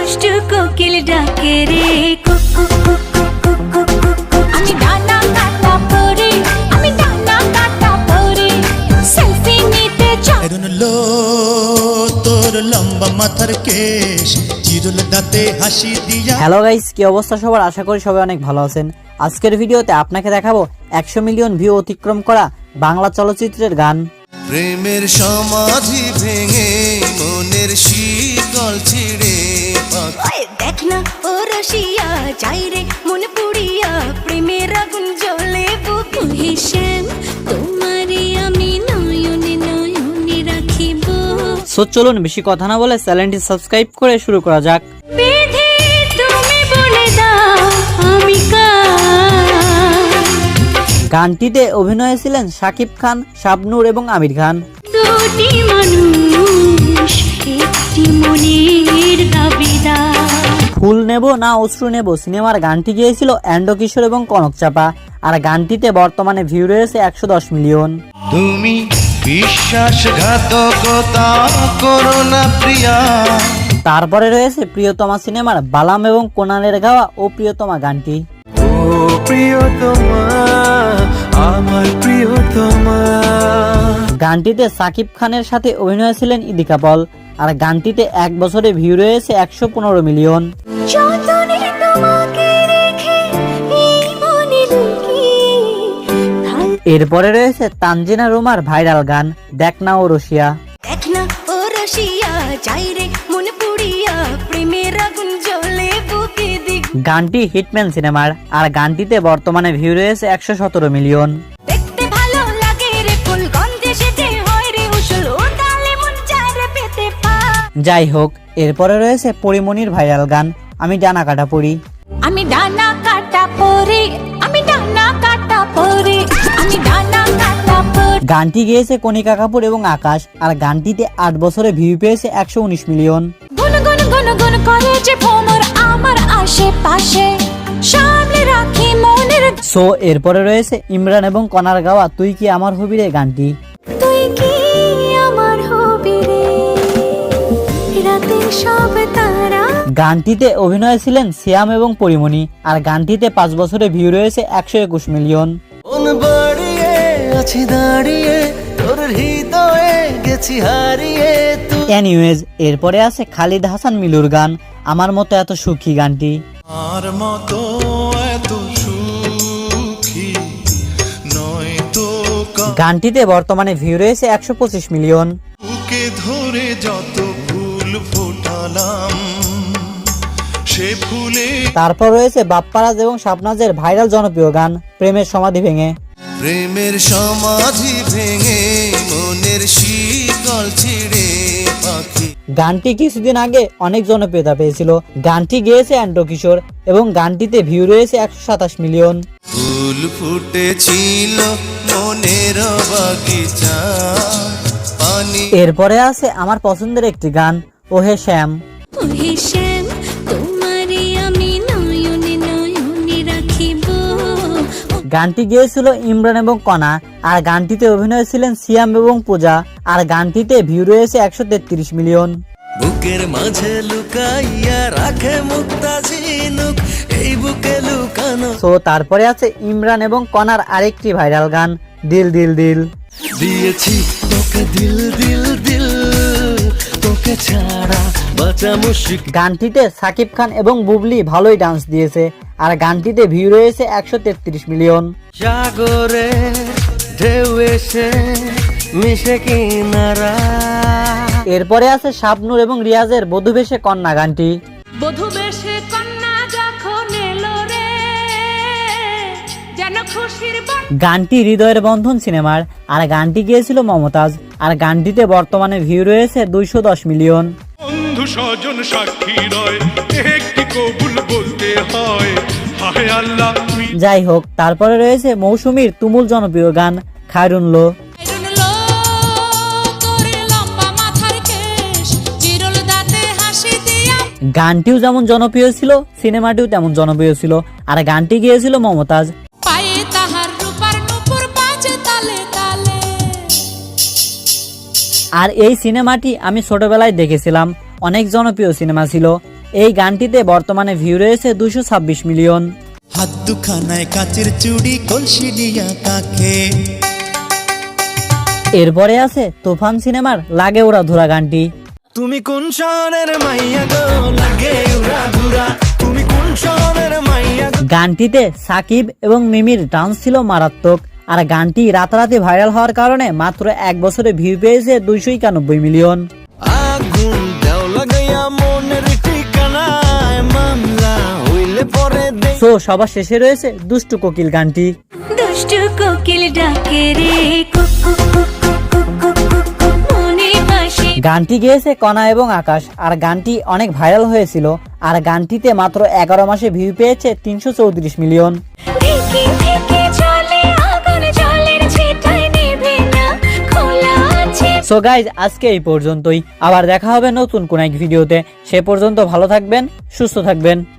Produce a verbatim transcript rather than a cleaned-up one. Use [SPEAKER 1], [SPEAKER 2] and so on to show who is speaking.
[SPEAKER 1] দুষ্টু কোকিল ডাকে রে কুকু কুকু কুকু কুকু। আমি ডানা কাটা পরে, আমি ডানা কাটা পরে সেলফি নিতে চাই।
[SPEAKER 2] লো তোর লম্বা মাথার কেশ চিরুল দাঁতে হাসি দিয়া।
[SPEAKER 3] হ্যালো গাইস, কি অবস্থা সবার? আশা করি সবাই অনেক ভালো আছেন। আজকের ভিডিওতে আপনাকে দেখাবো একশো মিলিয়ন ভিউ অতিক্রম করা বাংলা চলচ্চিত্রের গান।
[SPEAKER 2] প্রেমের সমাধি ভেঙে মনের শীতল ছিড়ে
[SPEAKER 1] দেখ না ও রসিয়া যাই রে মন পুড়িয়া প্রেমের আগুন জ্বলে বুকে। হিসেম তোমারে আমি নয়নে নয়নে রাখিব।
[SPEAKER 3] সো চলুন বেশি কথা না বলে চ্যানেলটি সাবস্ক্রাইব করে শুরু করা যাক।
[SPEAKER 1] বিধি তুমি বলে দাও আমি কার।
[SPEAKER 3] গানটিতে অভিনয়ে ছিলেন শাকিব খান, শাবনূর এবং আমির খান।
[SPEAKER 1] দুটি মানুষ একটি মনের দাবিদার।
[SPEAKER 3] ফুল নেব না অশ্রু নেব সিনেমার গানটি গিয়েছিল এন্ড্র কিশোর এবং কনক চাপা। আর গানটিতে বর্তমানে ভিউ রয়েছে একশো দশ মিলিয়ন।
[SPEAKER 2] তুমি বিশ্বাসঘাতকতা করো না প্রিয়া।
[SPEAKER 3] তারপরে রয়েছে প্রিয়তমা সিনেমার বালাম এবং কোনালের গাওয়া ও প্রিয়তমা গানটি।
[SPEAKER 2] ও প্রিয়তমা আমার প্রিয়তমা।
[SPEAKER 3] গানটিতে সাকিব খানের সাথে অভিনয় ছিলেন ইদিকা পল। আর গানটিতে এক বছরে ভিউ রয়েছে একশো পনেরো মিলিয়ন।
[SPEAKER 1] যতনে তোমাকে রেখে এই মনে লুকিয়ে থাক।
[SPEAKER 3] এরপরে রয়েছে তানজিনা রোমার ভাইরাল গান দেখ না ও রসিয়া।
[SPEAKER 1] দেখ না ও রসিয়া যাই রে মন পুড়িয়া প্রেমের আগুন জ্বলে বুকে দিক।
[SPEAKER 3] গানটি হিটম্যান সিনেমার। আর গানটিতে বর্তমানে ভিউ রয়েছে একশো সতেরো মিলিয়ন।
[SPEAKER 1] দেখতে ভালো লাগে রে ফুল গন্ধে সেজে হয় রে উসুল ও তালে মন চায় রে পেতে পা।
[SPEAKER 3] যাই হোক, এরপরে রয়েছে পরিমণির ভাইরাল গান আমি ডানা কাটা পড়ি।
[SPEAKER 1] আমি ডানা কাটা পরে, আমি ডানা কাটা পরে, আমি ডানা কাটা পরে।
[SPEAKER 3] গানটি গেয়েছে কণিকা কাপুর এবং আকাশ। আর গানটিতে আট বছরে ভিউ পেয়েছে একশো উনিশ মিলিয়ন।
[SPEAKER 1] গুন গুন গুন গুন করে যে ভ্রমর আমার আশেপাশে সামনে রাখি মনের।
[SPEAKER 3] সো এরপরে রয়েছে ইমরান এবং কনার গাওয়া তুই কি আমার হবি রে গানটি।
[SPEAKER 1] তুই কি আমার হবি রে রাতের সব তারা।
[SPEAKER 3] গানটিতে অভিনয় ছিলেন সিয়াম এবং পরিমণি। আর গানটিতে পাঁচ বছরে ভিউ রয়েছে একশো একুশ মিলিয়ন। এনিওয়েজ, এরপরে আছে খালিদ হাসান মিলুর গান আমার মতো এত সুখী গানটি।
[SPEAKER 2] আর মতো এত সুখী নয় তো
[SPEAKER 3] গানটিতে বর্তমানে ভিউ রয়েছে একশো পঁচিশ মিলিয়ন।
[SPEAKER 2] বুকে ধরে যত ফুল ফোটালাম সে ফুলে।
[SPEAKER 3] তারপর রয়েছে বাপ্পারাজ এবং শাবনাজের ভাইরাল জনপ্রিয় গান প্রেমের সমাধি ভেঙে।
[SPEAKER 2] প্রেমের সমাধি ভেঙে মনের শীতল ছিড়ে পাখি।
[SPEAKER 3] গানটি কিছুদিন আগে অনেক জনপ্রিয়তা পেয়েছিল। গানটি গেয়েছে এন্ড্র কিশোর এবং গানটিতে ভিউ রয়েছে একশো সাতাশ মিলিয়ন।
[SPEAKER 2] ফুল ফুটেছিল মনের বাগিচা পানি।
[SPEAKER 3] এরপরে আছে আমার পছন্দের একটি গান ওহে শ্যাম।
[SPEAKER 1] ওহে শ্যাম তোমারে আমি নয়নে নয়নে রাখিব।
[SPEAKER 3] গানটি গেয়েছিল ইমরান এবং কণা। আর গানটিতে অভিনয় ছিলেন সিয়াম এবং পূজা। আর গানটিতে ভিউ রয়েছে একশো তেত্রিশ মিলিয়ন।
[SPEAKER 2] বুকের মাঝে লুকাইয়া রাখে মুক্তা ঝিনুক এই বুকে লুকানো।
[SPEAKER 3] সো তারপরে আছে ইমরান এবং কণার আরেকটি ভাইরাল গান দিল দিল দিল।
[SPEAKER 2] দিয়েছি তোকে দিল দিল দিল তোকে ছাড়া বাঁচা মুশকিল।
[SPEAKER 3] গানটিতে সাকিব খান এবং বুবলি ভালোই ডান্স দিয়েছে। আর গানটিতে ভিউ রয়েছে একশো তেত্রিশ মিলিয়ন।
[SPEAKER 2] সাগরে ঢেউ এসে মিশে কিনারা।
[SPEAKER 3] এরপরে আছে শাবনূর এবং রিয়াজের বধূ বেশে কন্যা গানটি।
[SPEAKER 1] বধূ বেশে কন্যা যখন এলো রে যেন খুশির বন।
[SPEAKER 3] গানটি হৃদয়ের বন্ধন সিনেমার। আর গানটি গিয়েছিল মমতাজ। আর গানটিতে বর্তমানে ভিউ রয়েছে দুইশো দশ মিলিয়ন।
[SPEAKER 4] বন্ধু স্বজন সাক্ষী রয় একটি কবুল বলতে হয় হায় আল্লাহ।
[SPEAKER 3] যাই হোক, তারপরে রয়েছে মৌসুমীর তুমুল জনপ্রিয় গান খায়রুন লো। গানটিও যেমন জনপ্রিয় ছিল সিনেমাটিও তেমন জনপ্রিয় ছিল। আর গানটি গিয়েছিল মমতাজ। আর এই সিনেমাটি আমি ছোটবেলায় দেখেছিলাম, অনেক জনপ্রিয় সিনেমা ছিল। এই গানটিতে বর্তমানে ভিউ রয়েছে দুশো ছাব্বিশ মিলিয়ন।
[SPEAKER 2] হাত দুখানায় কাচের চুড়ি কলসি দিয়া কাকে।
[SPEAKER 3] এরপরে আছে তুফান সিনেমার লাগে ওরা ধুরা গানটি।
[SPEAKER 2] তুমি কোন শহরের মাইয়া গো লাগে উড়া ধুরা, তুমি কোন শহরের মাইয়া গো।
[SPEAKER 3] গানটিতে সাকিব এবং মিমির ডান্স ছিল মারাত্মক, আর গানটি রাতারাতি ভাইরাল হওয়ার কারণে মাত্র এক বছরে ভিউ পেয়েছে দুইশো একানব্বই মিলিয়ন।
[SPEAKER 2] আগুন দাও লাগাইয়া মনের ঠিকানায় মামলা হইলে পরে দে।
[SPEAKER 3] সো সবার শেষে রয়েছে দুষ্টু কোকিল গানটি।
[SPEAKER 1] দুষ্টু কোকিল ডাকে রে কুক কুক কুক কুক কুক কুক কুক কুক মনে ভাসে।
[SPEAKER 3] গানটি গেয়েছে কণা এবং আকাশ, আর গানটি অনেক ভাইরাল হয়েছিল, আর গানটিতে মাত্র এগারো মাসে ভিউ পেয়েছে তিনশো চৌত্রিশ মিলিয়ন।
[SPEAKER 1] থেকে থেকে চলে আগুন জলের ছিটায় নেভে না খোলা আছে।
[SPEAKER 3] সো গাইজ আজকে এই পর্যন্তই, আবার দেখা হবে নতুন কোন এক ভিডিওতে। সে পর্যন্ত ভালো থাকবেন, সুস্থ থাকবেন।